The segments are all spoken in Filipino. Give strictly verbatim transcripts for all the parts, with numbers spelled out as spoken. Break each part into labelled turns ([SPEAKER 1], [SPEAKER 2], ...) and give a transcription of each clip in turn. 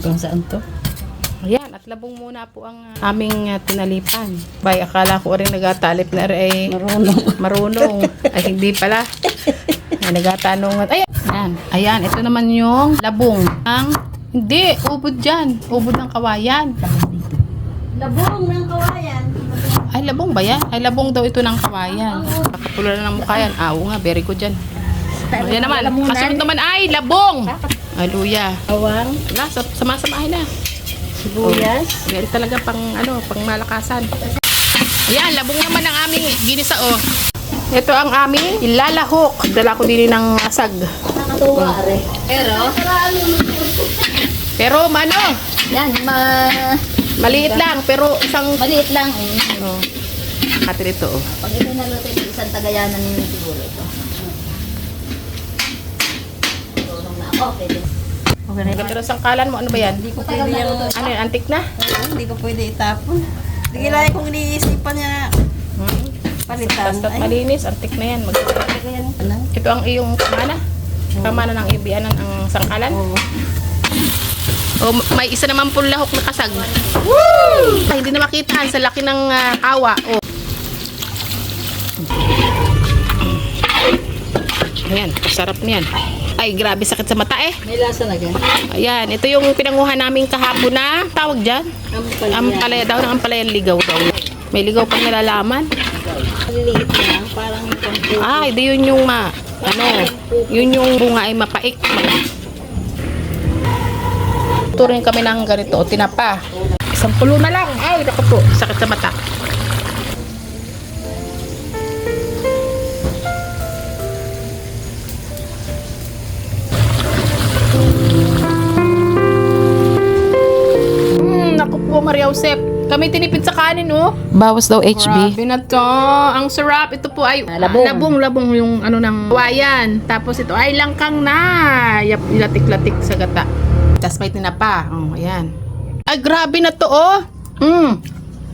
[SPEAKER 1] Kung saan to?
[SPEAKER 2] Ayan, at labong muna po ang uh, aming uh, tinalipan. Bay, akala ko rin nagatalip na rin ay
[SPEAKER 1] Marunong.
[SPEAKER 2] marunong. Ay, hindi pala. Ay, nagatanong. Ayan, ayan, ayan, ito naman yung labong. Ang, hindi, ubod dyan. Ubod ng kawayan.
[SPEAKER 3] Labong ng kawayan.
[SPEAKER 2] Ay, labong ba yan? Ay, labong daw ito ng kawayan. Kakapula na ng mukha yan. Ah, oo nga, very good dyan. Ayan naman, kasunod naman ay labong. Ay, luya.
[SPEAKER 1] Awang,
[SPEAKER 2] Wala, sama-samahin na.
[SPEAKER 1] sibuyas.
[SPEAKER 2] Oh, yan talaga pang ano, pang malakasan. Ayan, labong naman ang aming ginisa oh. Ito ang aming ilalahok. Dala ko din ng asag.
[SPEAKER 3] Nakatuwa rin. Pero,
[SPEAKER 2] Pero ano,
[SPEAKER 3] yan, ma
[SPEAKER 2] maliit lang pero isang
[SPEAKER 3] maliit lang. Eh.
[SPEAKER 2] oh. Kati dito oh.
[SPEAKER 3] Pag ito naluto yung isang tagayanan nyo siguro ito. Tulong na ako, pwede.
[SPEAKER 2] Okay na. Pero sangkalan mo, ano ba yan?
[SPEAKER 1] Hindi ko pwede yung,
[SPEAKER 2] Ano yan, antik na?
[SPEAKER 1] Oo, hindi ko pwede itapon. Hindi kailangan kong iniisipan niya na
[SPEAKER 2] Hmm.
[SPEAKER 1] palitan.
[SPEAKER 2] Basta't
[SPEAKER 1] Ay,
[SPEAKER 2] malinis, antik na yan. Mag
[SPEAKER 1] kaya ano?
[SPEAKER 2] Ito ang iyong kamana. Kamana ng ibianan ang sangkalan.
[SPEAKER 1] Oo.
[SPEAKER 2] Oh, may isa naman po lahok na kasag. Woo! Ay, hindi na makita sa laki ng uh, kawa. Oh. Ayan, sarap niyan. Ay, grabe sakit sa mata eh.
[SPEAKER 1] May lasa na gan.
[SPEAKER 2] Ayan, ito yung pinanguha namin kahapon na tawag dyan.
[SPEAKER 1] Ampalaya.
[SPEAKER 2] Ampalaya daw ng ampalayan ligaw daw. May ligaw pang nalalaman.
[SPEAKER 1] Maliliit lang, parang pamputi.
[SPEAKER 2] Ah, hindi yun yung ma, ano, yun yung bunga ay mapaik. Turin kami ng ganito, tinapa. Isang pulo na lang. Ay, naku po, sakit sa mata. Hmm, naku po, Maria Josep. Kami tinipid sa kanin, oh. Bawas daw H B. Grabe na to. Ang sarap. Ito po ay
[SPEAKER 1] Labong.
[SPEAKER 2] labong, labong yung ano ng kawayan. Tapos ito ay langkang na. Yap, latik-latik sa gata. Tapos may tinapa. Oh, ayan. Ay, grabe na to, oh. Mm.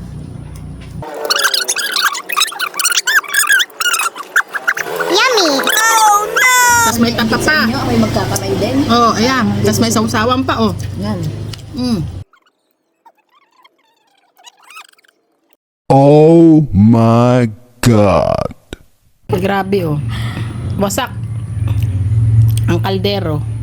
[SPEAKER 3] Yummy! Oh no!
[SPEAKER 2] Tapos may tapa pa.
[SPEAKER 3] Nyo, may magkakamay din.
[SPEAKER 2] Oh, ayan. Tapos may sausawan pa, oh.
[SPEAKER 3] Yan.
[SPEAKER 2] Mm.
[SPEAKER 4] Oh my God.
[SPEAKER 2] Grabe, oh. Wasak. Ang kaldero.